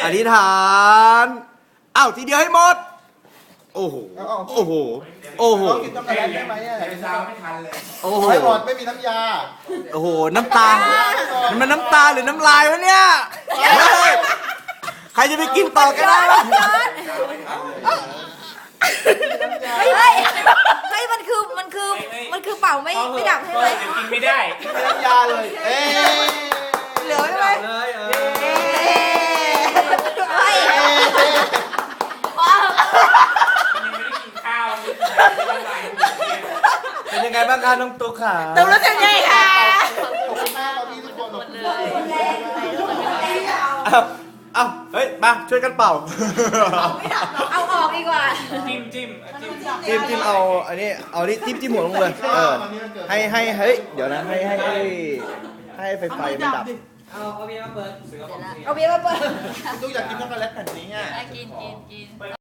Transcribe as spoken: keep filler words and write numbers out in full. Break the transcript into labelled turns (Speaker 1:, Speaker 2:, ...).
Speaker 1: อธิษฐาน อ้าวทีเดียวให้หมด โอ้โห โอ้โห โอ้โห
Speaker 2: เรากินช็อกโกแลตได้ไหมอ่ะ
Speaker 3: เดี๋ยวซาวไม่ทันเลย
Speaker 1: โอ้โห
Speaker 2: ไม่หมดไม่มีน้ำยา
Speaker 1: โอ้โห น้ำตา มันน้ำตาหรือน้ำลายวะเนี่ย ใครจะไปกินต่อกันได้วะ
Speaker 4: เฮ้ยเฮ้ยเฮ้ยมันคือมันคือมันคือเป่าไม่ไม่ดับใช่ไหม
Speaker 3: เดี๋ยวกินไม่ได้
Speaker 2: ไม่มีน้ำยาเลย เอ๊ะ
Speaker 4: เหลือใช่ไหม
Speaker 1: เลยเอ
Speaker 4: เฮ้ย
Speaker 3: ยังไม่ได้กินข้าวไม่ได้ไหล
Speaker 1: เป็นยังไงบ้างคะน้องตุ๊กขา
Speaker 4: ตกแล้วเป็นไงคะ
Speaker 2: ขอบคุณมากครับพี่ทุกคนหมดเลย
Speaker 1: เอาเอาเฮ้ย มาช่วยกันเป่า
Speaker 4: เอาออกดีกว่า
Speaker 3: จิ้มจิ้มจิ้ม
Speaker 1: จิ้มจิ้มเอา อันนี้ เอานี่จิ้มจิ้มหัวลงเลย เออ ให้ให้เฮ้ย เดี๋ยวนะ ให้ให้ให้ให้ไฟไฟมันดับ
Speaker 3: เอาเอาเบียร์มาเปิด
Speaker 4: เอาเบียร์มาเปิด
Speaker 2: ทุกอยากกินช็อกโกแลตแผ่นนี้อ่ะ
Speaker 5: กินกินกิน